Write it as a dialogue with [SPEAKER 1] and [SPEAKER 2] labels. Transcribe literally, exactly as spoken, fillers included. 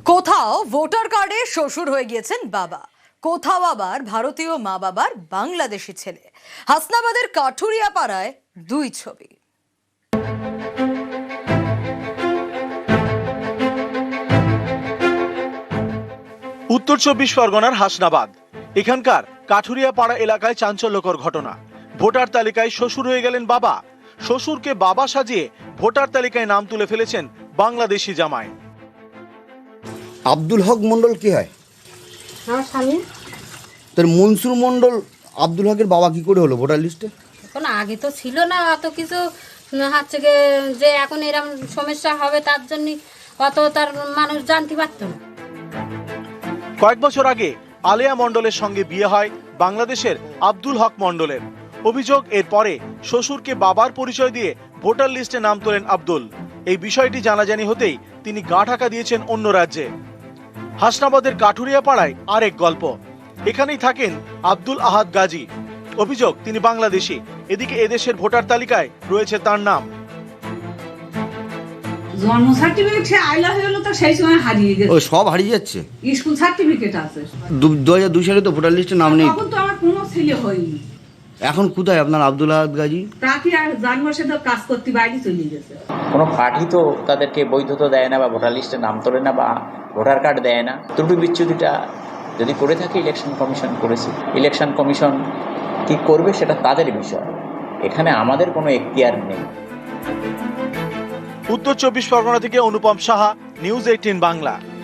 [SPEAKER 1] কোথাও ভোটার কার্ডে শ্বশুর হয়ে গিয়েছেন বাবা, কোথাও আবার ভারতীয় মা বাবার বাংলাদেশি ছেলে। হাসনাবাদের কাঠুরিয়া পাড়ায় দুই ছবি।
[SPEAKER 2] উত্তর চব্বিশ পরগনার হাসনাবাদ, এখানকার কাঠুরিয়া পাড়া এলাকায় চাঞ্চল্যকর ঘটনা। ভোটার তালিকায় শ্বশুর হয়ে গেলেন বাবা, শ্বশুরকে বাবা সাজিয়ে ভোটার তালিকায় নাম তুলে ফেলেছেন বাংলাদেশি জামাই।
[SPEAKER 3] আব্দুল হক মন্ডল কি হয়?
[SPEAKER 4] আমার স্বামী।
[SPEAKER 3] তোর মনসুর মন্ডল আব্দুল হকের বাবা কি করে হলো ভোটার লিস্টে?
[SPEAKER 4] এখন আগে তো ছিল না অত কিছু, হচ্ছে গিয়ে যে এখন এরকম সমস্যা হবে তার জন্য অত তার মানুষ জানতে পারতো না।
[SPEAKER 2] কয়েক বছর আগে আলেয়া মন্ডলের সঙ্গে বিয়ে হয় বাংলাদেশের আব্দুল হক মন্ডলের। অভিযোগ, এরপরে শ্বশুরকে বাবার পরিচয় দিয়ে ভোটার লিস্টে নাম তোলেন আব্দুল। এই বিষয়টি জানাজানি হতেই তিনি গা ঢাকা দিয়েছেন অন্য রাজ্যে। হাসনাবাদের কাঠুরিয়া পাড়ায় আরেক গল্প। এখানেই থাকেন আব্দুল আহাদ গাজী। অভিযোগ, তিনি বাংলাদেশি, এদিকে এদেশের ভোটার তালিকায় রয়েছে তার নাম।
[SPEAKER 5] জন্ম সার্টিফিকেট সে আইলা হয়ে গেল তো সেই সময় হারিয়ে গেছে।
[SPEAKER 3] ও সব হারিয়ে যাচ্ছে।
[SPEAKER 5] স্কুল সার্টিফিকেট আছে,
[SPEAKER 3] দু হাজার দুই সালে তো ভোটার লিস্টে নাম নেই।
[SPEAKER 5] তখন তো আমার কোনো ছেলে হয়নি।
[SPEAKER 3] এখন কোথায় আপনার আব্দুল আহাদ গাজী?
[SPEAKER 5] তাকে আর জন্ম সে তো কাজ করতে বাইরে চলে গেছে।
[SPEAKER 6] কোনো পার্টি তো তাদেরকে বৈধতা দেয় না বা ভোটার লিস্টে নাম তোলে না বা ভোটার কার্ড দেয় না। ত্রুটি বিচ্যুতিটা যদি করে থাকে ইলেকশন কমিশন করেছে, ইলেকশন কমিশন কি করবে সেটা তাদের বিষয়, এখানে আমাদের কোনো এখতিয়ার নেই।
[SPEAKER 2] উত্তর চব্বিশ পরগনা থেকে অনুপম সাহা, নিউজ এইটিন বাংলা।